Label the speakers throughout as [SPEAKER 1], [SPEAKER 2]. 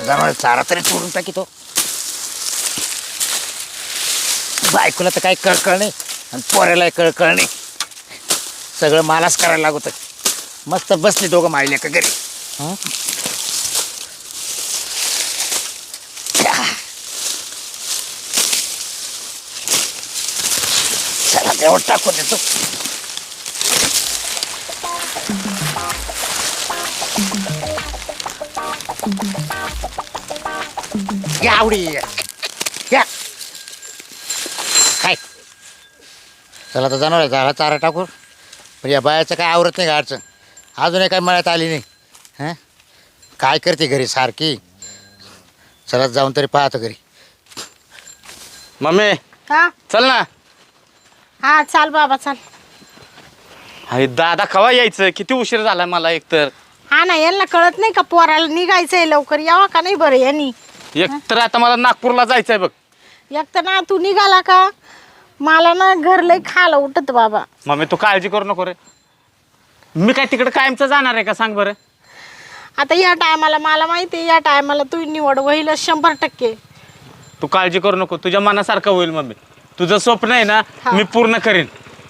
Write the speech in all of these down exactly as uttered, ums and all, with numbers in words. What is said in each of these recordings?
[SPEAKER 1] जनावर चारा तरी चोरून टाकीतो. बायकोला तर काही कळकळ नाही आणि पोऱ्यालाही कळकळ नाही. सगळं मलाच करायला लागत. मस्त बसली दोघं मायले का घरी. हं? चला तेवढं टाकून देतो. या आवडी या काय. चला तर जाणार आहे झाला चारा टाकून. पण या बायाचं काय आवरत नाही का अडचण. अजूनही काय मळ्यात आली नाही. हां काय करते घरी सारखी. चला जाऊन तरी पाहतो घरी.
[SPEAKER 2] मम्मी
[SPEAKER 3] हा
[SPEAKER 2] चल ना.
[SPEAKER 3] हा चाल बाबा चाल.
[SPEAKER 2] अरे दादा कवा यायचं. किती उशीर झाला मला एकतर.
[SPEAKER 3] हा ना यांना कळत नाही का पोराला निघायचंय लवकर यावा का नाही बरं यांनी.
[SPEAKER 2] एकतर आता मला नागपूरला जायचंय बघ.
[SPEAKER 3] एक तर ना तू निघाला का मला ना घर लय खायला उठत बाबा.
[SPEAKER 2] मम्मी तू काळजी करू नको रे. मी काय तिकडे कायमचं जाणार आहे का सांग बरं.
[SPEAKER 3] आता या टायमाला मला माहिती आहे या टायमाला तू निवड होईलच शंभर टक्के.
[SPEAKER 2] तू काळजी करू नको. तुझ्या मनासारखं होईल मम्मी. तुझं स्वप्न आहे ना
[SPEAKER 3] हा.
[SPEAKER 2] मी पूर्ण करीन.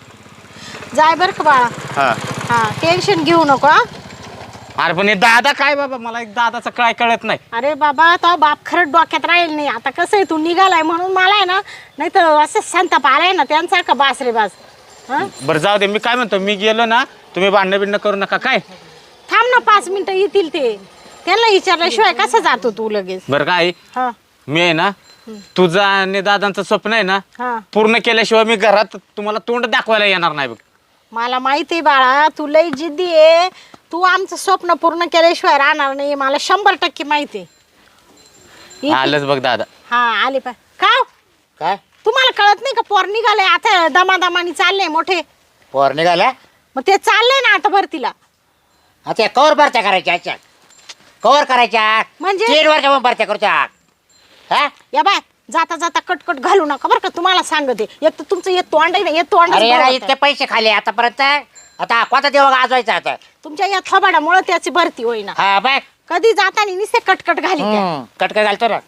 [SPEAKER 3] जाय बरं का बाळा.
[SPEAKER 2] हा
[SPEAKER 3] हा टेन्शन घेऊ नको हा.
[SPEAKER 2] अरे पण हे दादा काय बाबा मला एक दादाचं काय कळत नाही.
[SPEAKER 3] अरे बाबा तो बाप खरंच डोक्यात राहील नाही. आता कसं आहे तू निघालाय म्हणून मला आहे ना नाही तर असं संताप आलाय ना त्यांचा का बास रे बास. हा
[SPEAKER 2] बरं जाऊ दे. मी काय म्हणतो मी गेलो ना तुम्ही भांडणं बिंडणं करू नका काय.
[SPEAKER 3] थांब ना पाच मिनिटं येतील ते. त्यांना विचारल्याशिवाय कसं जातो तू लगेच.
[SPEAKER 2] बरं काय
[SPEAKER 3] हा
[SPEAKER 2] मी आहे ना तुझं आणि दादांचं स्वप्न आहे ना
[SPEAKER 3] हा
[SPEAKER 2] पूर्ण केल्याशिवाय मी घरात तुम्हाला तोंड दाखवायला येणार नाही बघ.
[SPEAKER 3] मला माहिती आहे बाळा तू लई जिद्दी आहे. तू आमचं स्वप्न पूर्ण केल्याशिवाय राहणार नाही मला शंभर टक्के माहिती आहे.
[SPEAKER 2] आलंच बघ दादा.
[SPEAKER 3] हा आले पाय का
[SPEAKER 1] काय
[SPEAKER 3] तुम्हाला कळत नाही का पोर निघाले आता दमादमानी चालले मोठे.
[SPEAKER 1] पोर निघाला.
[SPEAKER 3] मग ते चालले ना आता भरतीला.
[SPEAKER 1] आता कवर भरत्या करायच्या अच्छा कवर करायच्या.
[SPEAKER 3] म्हणजे?
[SPEAKER 1] तीन वर्ष भरत्या करूच्या. हा
[SPEAKER 3] या बाय जाता जाता कटकट घालू नका बरं का तुम्हाला सांगते. एक तर तुमचं येत तोंड आहे ना येत तोंड
[SPEAKER 1] अरे यार इतके पैसे खाले आतापर्यंत. आता कोणता देव गाजवायचा आता.
[SPEAKER 3] तुमच्या या थोबाडामुळे त्याची भरती होईना.
[SPEAKER 1] हा बाय
[SPEAKER 3] कधी जाताना नुसते कटकट घाली त्या.
[SPEAKER 1] कटका घालतो ना.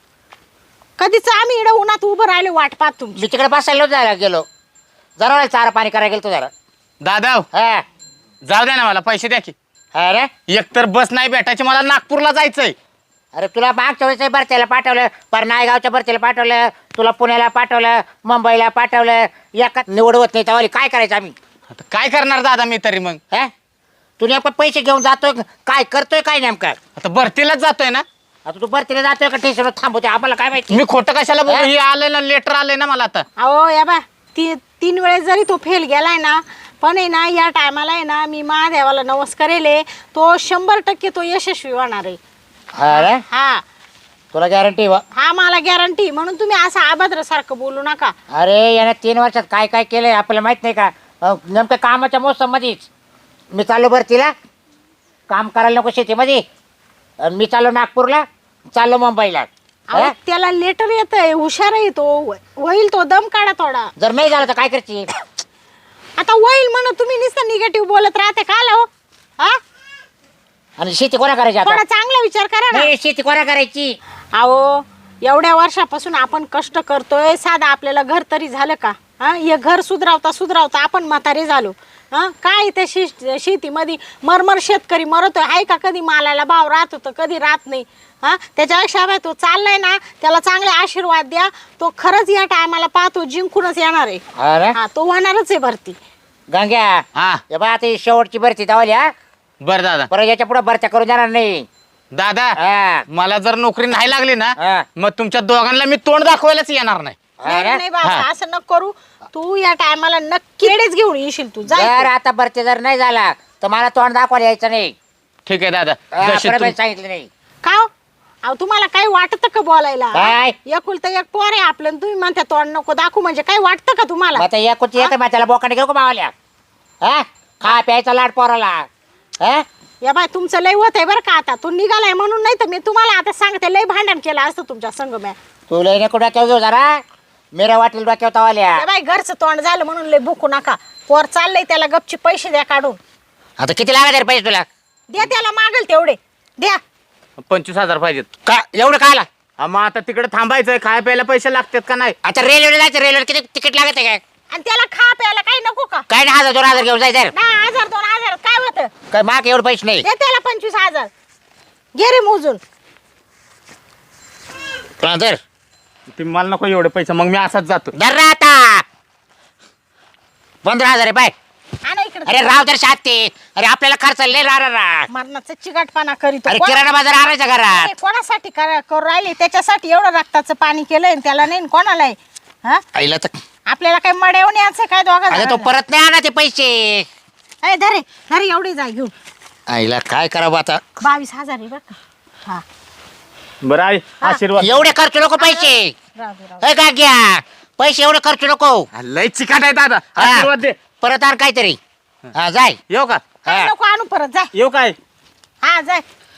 [SPEAKER 3] कधीच आम्ही इकडे उन्हात उभं राहिले वाट पाहत तुमची.
[SPEAKER 1] मी तिकडे बसायला जायला गेलो. जरा चारा पाणी करायला गेलो जरा.
[SPEAKER 2] दादा
[SPEAKER 1] हा
[SPEAKER 2] जाऊ द्या ना मला पैसे द्या की.
[SPEAKER 1] अरे
[SPEAKER 2] एकतर बस नाही भेटायची मला नागपूरला जायचंय.
[SPEAKER 1] अरे तुला मागच्या वेळेस भरतीला पाठवलं. पर नायगावच्या भरतीला पाठवलं. तुला पुण्याला पाठवलं. मुंबईला पाठवलं. एका निवड होत नाही त्यावेळी काय करायचं आम्ही.
[SPEAKER 2] आता काय करणार दादा मी तरी मग.
[SPEAKER 1] हा तू नेमकं पैसे घेऊन जातोय काय करतोय काय नेमकं.
[SPEAKER 2] आता भरतीलाच जातोय ना.
[SPEAKER 1] आता तू भरतीला जातोय का स्टेशनवर थांबवते आम्हाला काय माहिती.
[SPEAKER 2] मी खोटं कशाला बोलू.
[SPEAKER 1] हा?
[SPEAKER 2] हे आलंय ना लेटर आलंय ना मला आता.
[SPEAKER 3] अहो या बा ती तीन वेळेस जरी तो फेल गेलाय ना पण आहे ना या टायमाला आहे ना मी महादेवाला नवस करेले तो शंभर टक्के तो यशस्वी होणार आहे.
[SPEAKER 1] अरे
[SPEAKER 3] हा
[SPEAKER 1] तुला गॅरंटी वा.
[SPEAKER 3] हा मला गॅरंटी. म्हणून तुम्ही असं अभद्र सारखं बोलू नका.
[SPEAKER 1] अरे याने तीन वर्षात काय काय केलंय आपल्याला माहित नाही का. अं, नेमकं कामाच्या मोसम मध्येच मी चाललो भरतीला. काम करायला नको शेतीमध्ये. आणि मी चाललो नागपूरला चाललो मुंबईला.
[SPEAKER 3] अहो,
[SPEAKER 1] हा?
[SPEAKER 3] त्याला लेटर येत आहे हुशार आहे तो. होईल तो दम काढा थोडा.
[SPEAKER 1] जर नाही झालं तर काय करते.
[SPEAKER 3] आता होईल म्हणून तुम्ही नुसतं निगेटिव्ह बोलत राहते का लो. हा
[SPEAKER 1] आणि शेती कोणा करायची आता.
[SPEAKER 3] थोडा चांगला विचार करा ना.
[SPEAKER 1] नाही शेती कोणा करायची.
[SPEAKER 3] अहो एवढ्या वर्षापासून आपण कष्ट करतोय साधा आपल्याला घर तरी झालं का. हा हे घर सुधरावता सुधरावता आपण म्हातारे झालो. हा काय त्या शे शेतीमध्ये मरमर शेतकरी मरतोय आहे का. कधी मालाला भाव राहत होतं कधी राहत नाही. हा त्याच्यापेक्षा बाय तो चाललाय ना त्याला चांगले आशीर्वाद द्या. तो खरंच या टायमाला पाहतो जिंकूनच येणार आहे.
[SPEAKER 1] अरे
[SPEAKER 3] हा तो होणारच आहे भरती.
[SPEAKER 1] गंग्या
[SPEAKER 2] हा
[SPEAKER 1] हे बा आता ही शेवटची भरती दावली. हा
[SPEAKER 2] बर दादा.
[SPEAKER 1] परत याच्या पुढे भरत्या करून जाणार नाही.
[SPEAKER 2] दादा
[SPEAKER 1] हा
[SPEAKER 2] मला जर नोकरी नाही लागली ना
[SPEAKER 1] हा.
[SPEAKER 2] मग तुमच्या दोघांना मी तोंड दाखवायलाच येणार नाही.
[SPEAKER 3] नाही
[SPEAKER 1] अरे
[SPEAKER 3] नाही बाबा
[SPEAKER 2] हा.
[SPEAKER 3] असं नको करू. तू या टायमाला नक्की रेडीच घेऊन येशील तू
[SPEAKER 1] जर
[SPEAKER 3] जाय.
[SPEAKER 1] आता भरती जर नाही झाला तर मला तोंड दाखवायला यायचं नाही.
[SPEAKER 2] ठीक आहे दादा.
[SPEAKER 1] हा,
[SPEAKER 2] जशी
[SPEAKER 1] परत
[SPEAKER 2] तुम-
[SPEAKER 1] सांगितलं नाही.
[SPEAKER 3] का हो? अहो तुम्हाला काही वाटतं का बोलायला.
[SPEAKER 1] काय?
[SPEAKER 3] एकुलता एक पोर आहे आपलं आणि तुम्ही म्हणता तोंड नको दाखवू म्हणजे काही वाटतं का तुम्हाला.
[SPEAKER 1] मग आता या कुठे येतं मग त्याला बोकाने घेऊ का मावाल्या. हा खा प्यायचा लाड पोराला. हा
[SPEAKER 3] या बाय तुमचं लय होत आहे बरं का. आता तू निघालाय म्हणून नाही तर मी तुम्हाला आता सांगते लय भांडण केलं असतं तुमच्या संग म्या.
[SPEAKER 1] तू लय नको डोक्यावर घेऊ जरा. मेरा वाटेल डोक्यावर तवाल्या.
[SPEAKER 3] या बाय घरचं तोंड झालं म्हणून लय भुकू नका. पोर चाललंय त्याला गपची पैसे द्या काढून.
[SPEAKER 1] आता किती लागत रे पैसे तुला.
[SPEAKER 3] द्या त्याला मागल तेवढे द्या.
[SPEAKER 2] पंचवीस हजार पाहिजेत.
[SPEAKER 1] का एवढं काय आला?
[SPEAKER 2] हा, मग आता तिकडे थांबायचंय, खाय प्यायला पैसे लागतात का नाही?
[SPEAKER 1] आता रेल्वेला जायचं, रेल्वेला किती तिकीट लागत आहे काय?
[SPEAKER 3] आणि त्याला खा प्यायला काही नको का?
[SPEAKER 1] काय नाही, हजार दोन हजार घेऊन जायचं.
[SPEAKER 3] दहा हजार दोन हजार काय होतं?
[SPEAKER 1] काय माग एवढे पैसे नाही.
[SPEAKER 3] दे त्याला पंचवीस हजार घे रे मोजून.
[SPEAKER 1] तुला धर
[SPEAKER 2] तुम्ही मला नको एवढे पैसे, मग मी असाच जातो.
[SPEAKER 1] धर रा आता पंधरा हजार आहे बाय.
[SPEAKER 3] आणा इकडे.
[SPEAKER 1] अरे राव तर सात ते. अरे आपल्याला खर्च लय रा रा रा.
[SPEAKER 3] मरणाचा चिगाटपणा करीतो.
[SPEAKER 1] अरे
[SPEAKER 3] कोण-
[SPEAKER 1] किराणा बाजार आणायचा घरात.
[SPEAKER 3] नाही, कोणासाठी करा- करू राहिले? त्याच्यासाठी एवढं रक्ताचं पाणी केलंय आणि त्याला नाही, कोणाला आहे? हा
[SPEAKER 1] आईला तर
[SPEAKER 3] आपल्याला काय मड्यावून यायचं काय दोघा
[SPEAKER 1] अरे तो
[SPEAKER 3] जणांना?
[SPEAKER 1] परत नाही आणा ते पैसे.
[SPEAKER 3] ए, धरे धरे एवढी जाय घेऊन.
[SPEAKER 1] आईला काय करावं आता.
[SPEAKER 3] बावीस हजार आहे बरं का. हा
[SPEAKER 2] बरं आई,
[SPEAKER 3] हा.
[SPEAKER 2] आशीर्वाद.
[SPEAKER 1] एवढे खर्च नको पैसे.
[SPEAKER 3] राहू दे, राहू दे.
[SPEAKER 1] ए का घ्या पैसे एवढे खर्च नको.
[SPEAKER 2] हा, लय चिकाट आहे दादा,
[SPEAKER 1] हा.
[SPEAKER 2] आशीर्वाद दे.
[SPEAKER 1] परत आण काहीतरी. हा जाय.
[SPEAKER 2] येऊ का?
[SPEAKER 3] काय
[SPEAKER 1] हा.
[SPEAKER 3] नको आणू परत जाय.
[SPEAKER 2] येऊ काय?
[SPEAKER 3] हा जाय.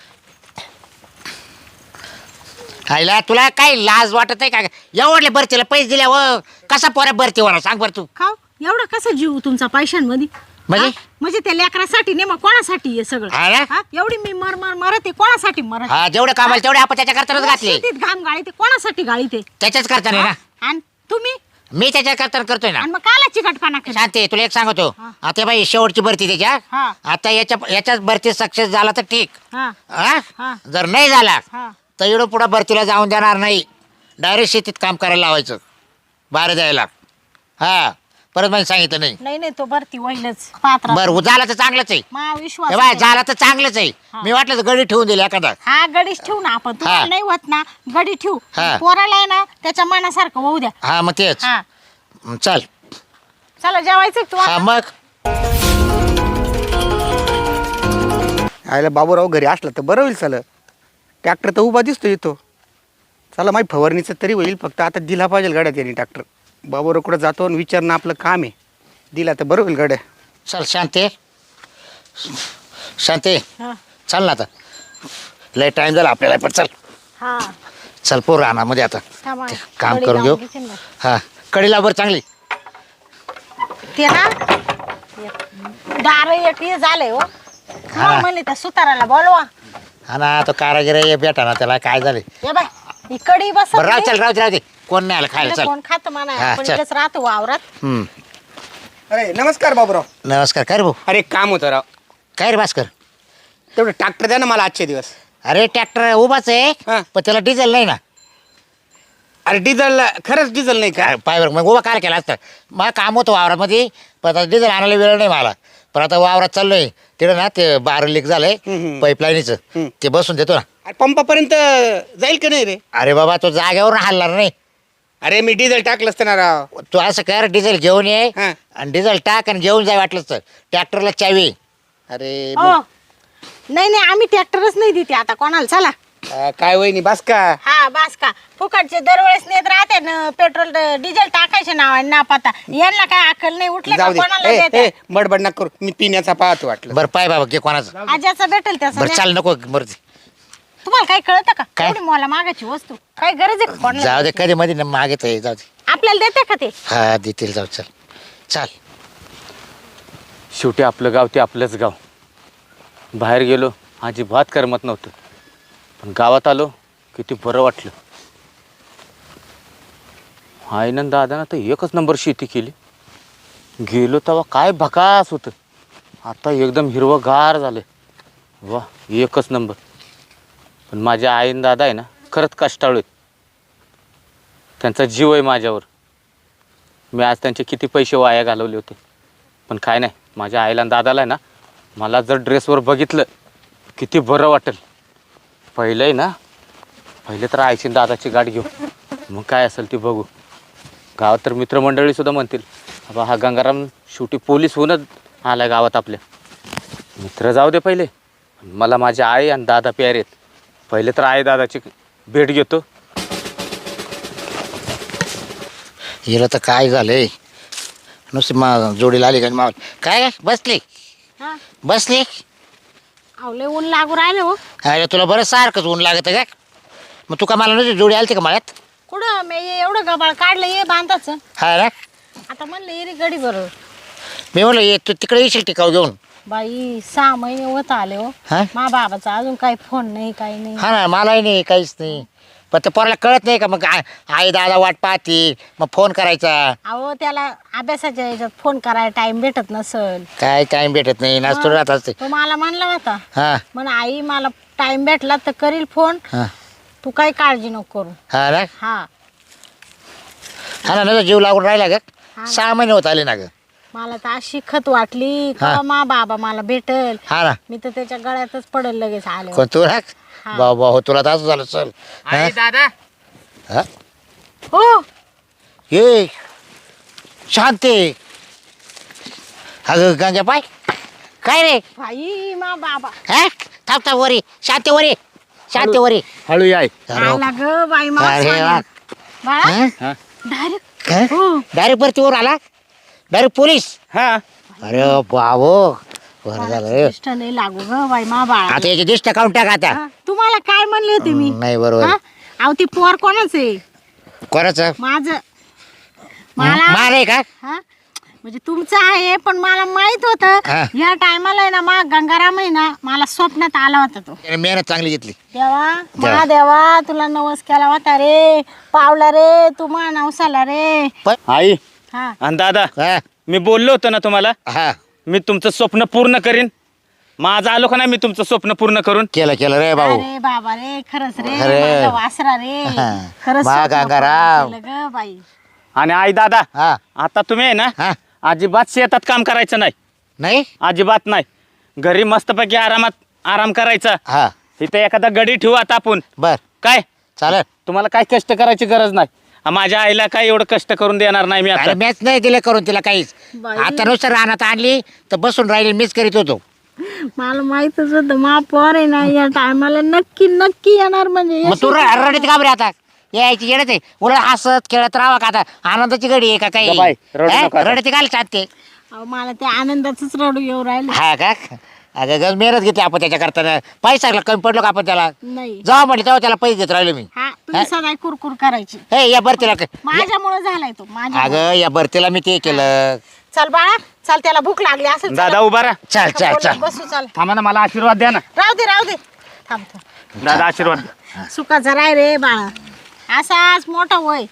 [SPEAKER 1] आईला तुला काय लाज वाटत आहे का? एवढले भरतीला पैसे दिल्या व कसा पोऱ्या भरती होणार सांग बरं तू.
[SPEAKER 3] खाऊ एवढं कसं जीव तुमचा पैशांमध्ये?
[SPEAKER 1] म्हणजे?
[SPEAKER 3] हा? म्हणजे त्या लेकरासाठी नाही, मग कोणासाठी हे सगळं?
[SPEAKER 1] हा ना?
[SPEAKER 3] हा? एवढी मी मर मर मरते कोणासाठी मरत?
[SPEAKER 1] हा जेवढे कामाला तेवढे आपण त्याच्या करतानाच घातले.
[SPEAKER 3] शेतीत घाम गाळी ते कोणासाठी गाळी ते?
[SPEAKER 1] त्याच्याच करताना ना.
[SPEAKER 3] आणि तुम्ही
[SPEAKER 1] मी त्याच्या करताना करतोय ना.
[SPEAKER 3] आणि मग काला चिकटपणा करता?
[SPEAKER 1] शांती तुला एक सांगतो.
[SPEAKER 3] हा.
[SPEAKER 1] आता बाई शेवटची भरती त्याच्या.
[SPEAKER 3] हा.
[SPEAKER 1] आता याच्या याच्याच भरती सक्सेस झाला तर ठीक.
[SPEAKER 3] हा
[SPEAKER 1] हा?
[SPEAKER 3] हा.
[SPEAKER 1] जर नाही झाला
[SPEAKER 3] हा
[SPEAKER 1] तर एवढं पुढे भरतीला जाऊन देणार नाही. डायरेक्ट शेतीत काम करायला लावायचं बाहेर द्यायला. हा परत मला सांगितलं नाही.
[SPEAKER 3] नाही नाही तो भरती होईलच पात्र.
[SPEAKER 1] बरं झालं तर चांगलंच आहे.
[SPEAKER 3] मा विश्वास
[SPEAKER 1] हे बाय
[SPEAKER 3] आहे.
[SPEAKER 1] झालं तर चांगलंच आहे.
[SPEAKER 3] हा.
[SPEAKER 1] मी वाटलं तर गडी ठेवून दिली एखादा.
[SPEAKER 3] हा गडीच ठेवू ना आपण. तुम्हाला
[SPEAKER 1] हा.
[SPEAKER 3] नाही होत ना गडी ठेवू.
[SPEAKER 1] हा.
[SPEAKER 3] पोराला आहे ना त्याच्या मनासारखं होऊ द्या.
[SPEAKER 1] हा मग तेच.
[SPEAKER 3] हा
[SPEAKER 1] चल.
[SPEAKER 3] चला जेवायचं का
[SPEAKER 1] हा
[SPEAKER 3] तुम्हाला?
[SPEAKER 1] मग
[SPEAKER 4] आयला बाबूराव घरी असला तर बरं होईल. चला ट्रॅक्टर तर उभा दिसतो इथं. चला माही फवारणीचं तरी होईल. फक्त आता दिला पाहिजे गाड्यात यांनी ट्रॅक्टर. बाबूराव कुठं जातो आणि विचारणं आपलं काम आहे. दिला तर बरं होईल गाड्या.
[SPEAKER 1] चल शांती शांती
[SPEAKER 3] हा.
[SPEAKER 1] चल ना आता. लय टाइम झाला आपल्याला पण चल.
[SPEAKER 3] हा
[SPEAKER 1] चल पोर रानामध्ये आता
[SPEAKER 3] थांबा.
[SPEAKER 1] काम
[SPEAKER 3] गडी
[SPEAKER 1] करून घेऊ.
[SPEAKER 3] लावून घेशील ना.
[SPEAKER 1] हा कडीला बरं चांगली.
[SPEAKER 3] ते ना दार एक हे झालंय हो.
[SPEAKER 1] हा.
[SPEAKER 3] म्हणले त्या सुताराला बोलवा.
[SPEAKER 1] हा ना तो कारागिर ये भेटा ना त्याला काय झाले.
[SPEAKER 3] ये बाय ही कडी बस.
[SPEAKER 1] बरं राव चल राव दे राव दे. कोण नाही आलं खायला चल.
[SPEAKER 3] कोण खात म्हणा
[SPEAKER 1] हा,
[SPEAKER 3] आपण
[SPEAKER 1] चल.
[SPEAKER 3] इकडेच राहतो वावरात.
[SPEAKER 1] हम्म.
[SPEAKER 4] अरे नमस्कार बाबूराव.
[SPEAKER 1] नमस्कार काय रे भाऊ.
[SPEAKER 4] अरे एक काम होतं राव.
[SPEAKER 1] काय रे भास्कर.
[SPEAKER 4] तेवढं ट्रॅक्टर द्या ना मला आजचे दिवस.
[SPEAKER 1] अरे ट्रॅक्टर उभाच आहे
[SPEAKER 4] हा.
[SPEAKER 1] पण त्याला डिझेल नाही ना.
[SPEAKER 4] अरे डिझेल खरंच डिझेल नाही का?
[SPEAKER 1] काय पायवर मग उभा काय केला असतं. मला काम होतं वावरामध्ये पण आता डिझेल आणायला वेळ नाही मला. पण आता वावरात चाललोय तिकडे ना ते बार लीक झालंय
[SPEAKER 4] हम्म, हम्म.
[SPEAKER 1] पाईपलाईनीचं
[SPEAKER 4] हम्म.
[SPEAKER 1] ते बसून देतो ना.
[SPEAKER 4] अरे पंपापर्यंत जाईल का नाही रे?
[SPEAKER 1] अरे बाबा तो जागेवर हलणार नाही.
[SPEAKER 4] अरे मी डिझेल टाकलं असतं ना राव.
[SPEAKER 1] तू असं कर डिझेल घेऊन ये
[SPEAKER 4] हा.
[SPEAKER 1] आणि डिझेल टाक आणि घेऊन जाय वाटलंच तर ट्रॅक्टरला चावी.
[SPEAKER 4] अरे
[SPEAKER 3] हो नाही नाही आम्ही ट्रॅक्टरच नाही देते आता कोणाला. चला
[SPEAKER 4] अं, काय वहिनी बास का?
[SPEAKER 3] हा बास का फुकटचे दरवेळेस नेत राहते ना पेट्रोल डिझेल टाकायचे नाव ना पता. यांना काय अक्कल नाही उठले का
[SPEAKER 4] जाऊ दे.
[SPEAKER 3] कोणाला
[SPEAKER 4] ए,
[SPEAKER 3] देते?
[SPEAKER 4] ए, बडबड नका करू. मी पिण्याचा पाहतो वाटलं.
[SPEAKER 1] बरं पाय बाबा घे कोणाचं.
[SPEAKER 3] आज्याचं भेटेल त्याचं
[SPEAKER 1] बरं
[SPEAKER 3] द्या.
[SPEAKER 1] चाल नको बरं
[SPEAKER 3] तुम्हाला काही कळतं का?
[SPEAKER 1] काय?
[SPEAKER 3] एवढी मला मागायची वस्तू काय गरज आहे का कोणाला?
[SPEAKER 1] जाऊ दे कधी मध्ये मागे तर जाऊ दे.
[SPEAKER 3] आपल्याला देते का ते?
[SPEAKER 1] हा देतील जाऊ चल चाल.
[SPEAKER 2] शेवटी आपलं गाव ते आपलंच गाव. बाहेर गेलो अजिबात करमत नव्हतं, पण गावात आलो किती बरं वाटलं. आईनं दादानं तर एकच नंबर शेती केली. गेलो तेव्हा काय भकास होतं, आता एकदम हिरवंगार झालं. वा एकच नंबर. पण माझ्या आईन दादा आहे ना खरंच कष्टाळू आहेत. त्यांचा जीव आहे माझ्यावर. मी आज त्यांचे किती पैसे वाया घालवले होते, पण काय नाही, माझ्या आईला आणि दादाला आहे ना मला जर ड्रेसवर बघितलं किती बरं वाटेल. पहिलं आहे ना पहिले तर आईची दादाची गाठ घेऊ, मग काय असेल ती बघू. गावात तर मित्रमंडळीसुद्धा म्हणतील बाबा हा गंगाराम शेवटी पोलीस होऊनच आला गावात. आपल्या मित्र जाऊ दे पहिले, मला माझ्या आई आणि दादा प्यारे आहेत. पहिले तर आई दादाची भेट घेतो.
[SPEAKER 1] हिला तर काय झालंय नुसती मा जोडीला आली का माव काय बसली
[SPEAKER 3] हा
[SPEAKER 1] बसली.
[SPEAKER 3] आवले ऊन लागू राहिले हो.
[SPEAKER 1] अरे तुला बरं सारखंच ऊन लागत आहे का? मग तू का मला नुसती जोडी आली का मळ्यात?
[SPEAKER 3] कुठं मी हे एवढं गबाळ काढलं ये बांधाचं.
[SPEAKER 1] हा ना
[SPEAKER 3] आता म्हणलं ये रे गडी बरोबर.
[SPEAKER 1] मी म्हणलं ये तू तिकडे येशील टिकाव घेऊन
[SPEAKER 3] बाई सहा महिने होत आले हो
[SPEAKER 1] हा?
[SPEAKER 3] मा बाबाचा अजून काही फोन नाही काही नाही
[SPEAKER 1] हा ना मलाही नाही काहीच नाही पण ते पोराला कळत नाही का मग आ- आई दादा वाट पाहते मग फोन करायचा
[SPEAKER 3] अहो त्याला अभ्यासाच्या याच्यात फोन करायला टाइम भेटत नसल
[SPEAKER 1] काय टाइम भेटत नाही नाचतो राहत असते
[SPEAKER 3] तो मला म्हणला होता
[SPEAKER 1] हा
[SPEAKER 3] म्हण आई मला टाइम भेटला तर करील फोन
[SPEAKER 1] हा
[SPEAKER 3] तू काही काळजी नको करू
[SPEAKER 1] हा ना
[SPEAKER 3] हा
[SPEAKER 1] हा ना नजर जीव लागून राहिला ग
[SPEAKER 3] हा.
[SPEAKER 1] सहा महिने होत आले ना ग
[SPEAKER 3] मला तर अशी खत वाटली
[SPEAKER 1] हा.
[SPEAKER 3] का मा बाबा मला भेटल
[SPEAKER 1] हा ना
[SPEAKER 3] मी तर त्याच्या गळ्यातच पडल लगेच आले
[SPEAKER 1] कोण तू ना
[SPEAKER 3] हा.
[SPEAKER 1] भाऊ भाऊ तुला तर असं झालं चल हा?
[SPEAKER 2] आई दादा
[SPEAKER 1] हा?
[SPEAKER 3] हो
[SPEAKER 1] ये शांती अगं गंग्या पाय काय रे
[SPEAKER 3] भाई मा बाबा
[SPEAKER 1] हा थांब थांब वरी शांती वरी शांती वरी
[SPEAKER 2] हळू याय
[SPEAKER 3] आला ग बाई मा
[SPEAKER 1] अरे वा.
[SPEAKER 3] बाळा
[SPEAKER 2] हा
[SPEAKER 3] डायरेक्ट
[SPEAKER 1] काय
[SPEAKER 3] हो
[SPEAKER 1] डायरेक्ट वरतीवर आला डायरेक्ट पोलीस
[SPEAKER 2] हा
[SPEAKER 1] अरे बाबो बरं झालं रे.
[SPEAKER 3] इष्ट नाही लागू ग बाई मा बाळा
[SPEAKER 1] आता याची दिष्ट काढून टाक आता
[SPEAKER 3] हा, तुम्हाला काय म्हणले होते मी
[SPEAKER 1] नाही बरोबर
[SPEAKER 3] हा? अहो ती पोर कोणाच आहे
[SPEAKER 1] कोणाचं
[SPEAKER 3] माझ मला
[SPEAKER 1] मार आहे का
[SPEAKER 3] हा म्हणजे तुमचं आहे पण मला माहित होत
[SPEAKER 1] हा.
[SPEAKER 3] या टायमाला आहे ना मा गंगाराम आहे ना मला स्वप्नात आला होता तो
[SPEAKER 1] त्याने मेहनत चांगली घेतली
[SPEAKER 3] देवा मा देवा तुला नवस केला होता रे पावला रे तू मा नवसाला रे
[SPEAKER 1] पण
[SPEAKER 2] आई
[SPEAKER 3] हा
[SPEAKER 2] आणि दादा
[SPEAKER 1] हा
[SPEAKER 2] मी बोललो होतो ना तुम्हाला
[SPEAKER 1] हा
[SPEAKER 2] मी तुमचं स्वप्न पूर्ण करीन माझं आलो का नाही मी तुमचं स्वप्न पूर्ण करून
[SPEAKER 1] केलं केलं रे भाऊ
[SPEAKER 3] अरे बाबा रे खरंच रे
[SPEAKER 1] अरे.
[SPEAKER 3] माझा वासरा रे
[SPEAKER 1] हा.
[SPEAKER 3] खरंच
[SPEAKER 1] मा
[SPEAKER 3] स्वप्न
[SPEAKER 1] गंगाराम.
[SPEAKER 3] पूर्ण केलं ग बाई
[SPEAKER 2] आणि आई दादा
[SPEAKER 1] हा
[SPEAKER 2] आता तुम्ही आहे ना
[SPEAKER 1] हा
[SPEAKER 2] अजिबात शेतात काम करायचं नाही
[SPEAKER 1] नाही
[SPEAKER 2] अजिबात नाही घरी मस्तपैकी आरामात आराम करायचा
[SPEAKER 1] हा
[SPEAKER 2] इथे एखादा गडी ठेवू आता आपण
[SPEAKER 1] बर
[SPEAKER 2] काय
[SPEAKER 1] चालेल
[SPEAKER 2] तुम्हाला काय कष्ट करायची गरज नाही आ, माझ्या आईला काय एवढं कष्ट करून देणार नाही मी
[SPEAKER 1] अरे
[SPEAKER 2] आता
[SPEAKER 1] मॅच नाही दिले करून तिला काहीच
[SPEAKER 3] बाई.
[SPEAKER 1] आता नुसतं रानात आणली तर बसून राहिली मीच करीत होतो
[SPEAKER 3] मला माहितच होतं मा पोर आहे ना या टायमाला नक्की नक्की येणार म्हणजे
[SPEAKER 1] मग तू र- रडत का बरे आता यायची येडत आहे उलट हसत खेळत राहावं का आता आनंदाची घडी आहे का काही
[SPEAKER 2] जा बाई, रडू
[SPEAKER 1] हा?
[SPEAKER 2] नका आता.
[SPEAKER 1] रडती घाल चालते
[SPEAKER 3] अहो, मला ते आनंदाच रडू येऊ राहिले
[SPEAKER 1] हा का अगं गज मेहनत घेतली आपण त्याच्या करताना पैसा कमी पडलो का आपण त्याला
[SPEAKER 3] नाही
[SPEAKER 1] जेव्हा म्हटलं तेव्हा त्याला पैसे देत राहिलो मी
[SPEAKER 3] हा तुम्ही सदा कुरकुर करायची
[SPEAKER 1] हे या भरतीला
[SPEAKER 3] माझ्यामुळे झालाय तो माझ्या
[SPEAKER 1] अगं या भरतीला मी ते केलं
[SPEAKER 3] चल बाळा चल त्याला भूक लागली असेल
[SPEAKER 2] दादा उभा राहा
[SPEAKER 1] चल चल चल
[SPEAKER 3] बसू चल
[SPEAKER 2] थांबा ना मला आशीर्वाद द्या ना
[SPEAKER 3] राहू दे राहू दे थांब थांब
[SPEAKER 2] दादा आशीर्वाद द्या.
[SPEAKER 3] सुखाचा राय रे बाळा असाच मोठा वय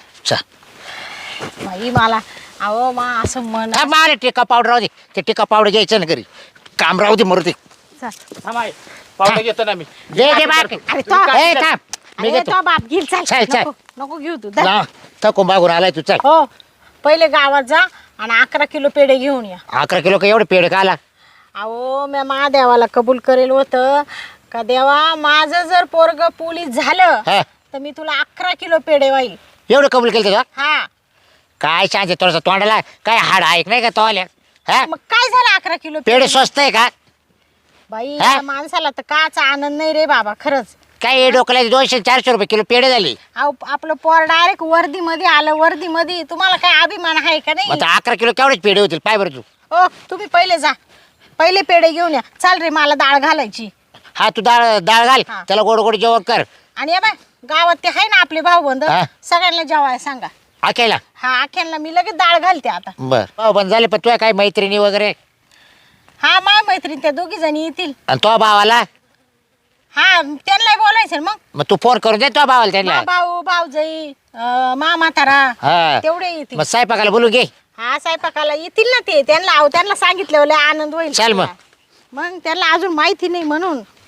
[SPEAKER 1] चल
[SPEAKER 3] बाई मला अहो मा असं मन
[SPEAKER 1] हा, मारे टिका पावडर राहू दे ते टिका पावडर घ्यायचं ना घरी काम राहू दे मरू दे
[SPEAKER 3] चल.
[SPEAKER 2] थांबा आई. पावडं घेतो ना मी
[SPEAKER 1] घे घे बाकी
[SPEAKER 3] अरे तो
[SPEAKER 1] ए, थांब मी
[SPEAKER 3] अरे
[SPEAKER 1] घेतो
[SPEAKER 3] तो बाप घेईल चल
[SPEAKER 1] चल, चल.
[SPEAKER 3] नको नको घेऊ तू धर.
[SPEAKER 1] ना थकून मागून आलाय तू चल
[SPEAKER 3] हो पहिले गावात जा आणि अकरा किलो पेढे घेऊन या
[SPEAKER 1] अकरा किलो का एवढे पेड का आला
[SPEAKER 3] अहो मी महादेवाला कबूल करेल होतं का देवा माझं जर पोरग पोलीस झालं
[SPEAKER 1] हा
[SPEAKER 3] तर मी तुला अकरा किलो पेढे वाईल
[SPEAKER 1] एवढं कबूल केलं तुझा
[SPEAKER 3] हा
[SPEAKER 1] काय सांगते थोडंसं तोंडाला काय हाड ऐक नाही का तो आल्या हा
[SPEAKER 3] मग काय झालं अकरा किलो
[SPEAKER 1] पेढे स्वस्त आहे का
[SPEAKER 3] बाई
[SPEAKER 1] हा?
[SPEAKER 3] या माणसाला तर काचा आनंद नाही रे बाबा खरंच
[SPEAKER 1] काय हे डोक्याला दोनशे चारशे रुपये किलो पेढे झाले
[SPEAKER 3] अहो आपलं पोर डायरेक्ट वर्दी मध्ये आलं वर्दी मध्ये तुम्हाला काय अभिमान आहे का नाही
[SPEAKER 1] मग आता अकरा किलो केवढेच पेढे होतील पाय बरं तू
[SPEAKER 3] ओ तुम्ही पहिले जा पहिले पेढे घेऊन या चाल रे मला डाळ घालायची
[SPEAKER 1] हा तू डाळ डाळ घाल
[SPEAKER 3] हा.
[SPEAKER 1] त्याला गोड गोड जेवण कर
[SPEAKER 3] आणि या बाय गावात ते आहे ना आपले भाऊ बंद
[SPEAKER 1] हा.
[SPEAKER 3] सगळ्यांना जेवाय सांगा
[SPEAKER 1] आकेला
[SPEAKER 3] हा आख्यांना मी लगेच डाळ घालते आता
[SPEAKER 1] बर भाऊ बंद झाले पण तुझ्या काय मैत्रिणी वगैरे
[SPEAKER 3] हा माय मैत्रीण त्या दोघी जणी येतील
[SPEAKER 1] आणि तो भावाला
[SPEAKER 3] हा त्यांना बोलायचं ना मग
[SPEAKER 1] मग तू फोन करून दे तो भावाला
[SPEAKER 3] मा
[SPEAKER 1] त्यांना
[SPEAKER 3] भाऊ भाऊजाई अं, मा म्हातारा
[SPEAKER 1] हा
[SPEAKER 3] तेवढे येतील
[SPEAKER 1] मग स्वयंपाकाला बोलू घे
[SPEAKER 3] हा स्वयंपाकाला येतील ना ते त्यांना अहो, त्यांना सांगितलं लय आनंद होईल
[SPEAKER 1] चल मग.
[SPEAKER 3] मग त्यांना अजून माहिती नाही म्हणून